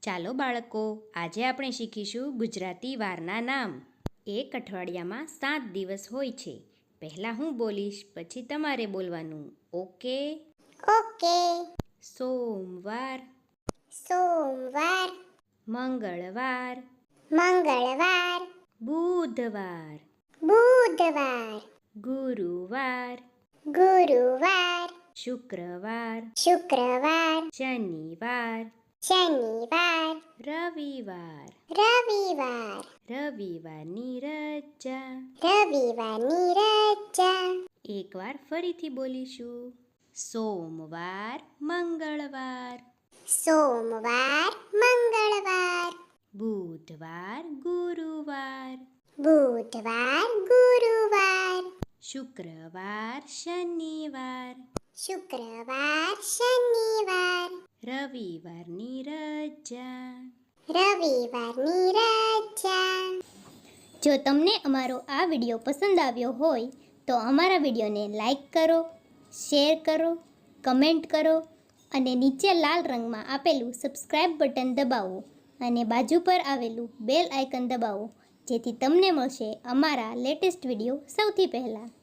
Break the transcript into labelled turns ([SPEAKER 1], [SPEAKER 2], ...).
[SPEAKER 1] ચાલો બાળકો, આજે આપણે શીખીશું ગુજરાતી વારના નામ. એક અઠવાડિયામાં 7 દિવસ હોય છે. પહેલાં હું બોલીશ, પછી તમારે બોલવાનું. ઓકે?
[SPEAKER 2] ઓકે.
[SPEAKER 1] સોમવાર,
[SPEAKER 2] સોમવાર,
[SPEAKER 1] મંગળવાર,
[SPEAKER 2] મંગળવાર,
[SPEAKER 1] બુધવાર,
[SPEAKER 2] બુધવાર,
[SPEAKER 1] ગુરુવાર,
[SPEAKER 2] ગુરુવાર,
[SPEAKER 1] શુક્રવાર,
[SPEAKER 2] શુક્રવાર,
[SPEAKER 1] શનિવાર,
[SPEAKER 2] શનિવાર,
[SPEAKER 1] રવિવાર.
[SPEAKER 2] રવિવાર,
[SPEAKER 1] રવિવારની રજા.
[SPEAKER 2] રવિવારની રજા.
[SPEAKER 1] એકવાર ફરીથી બોલીશું. સોમવાર, મંગળવાર,
[SPEAKER 2] સોમવાર, મંગળવાર,
[SPEAKER 1] બુધવાર, ગુરુવાર,
[SPEAKER 2] બુધવાર, ગુરુવાર,
[SPEAKER 1] શુક્રવાર, શનિવાર,
[SPEAKER 2] શુક્રવાર, શનિવાર,
[SPEAKER 1] રવિવારની રજા.
[SPEAKER 2] રવિવારની રજા.
[SPEAKER 3] જો તમને અમારો આ વિડીયો પસંદ આવ્યો હોય તો અમારા વિડીયોને લાઈક કરો, શેર કરો, કમેન્ટ કરો અને નીચે લાલ રંગમાં આપેલું સબસ્ક્રાઇબ બટન દબાવો અને બાજુ પર આવેલું બેલ આઇકન દબાવો, જેથી તમને મળશે અમારા લેટેસ્ટ વિડીયો સૌથી પહેલાં.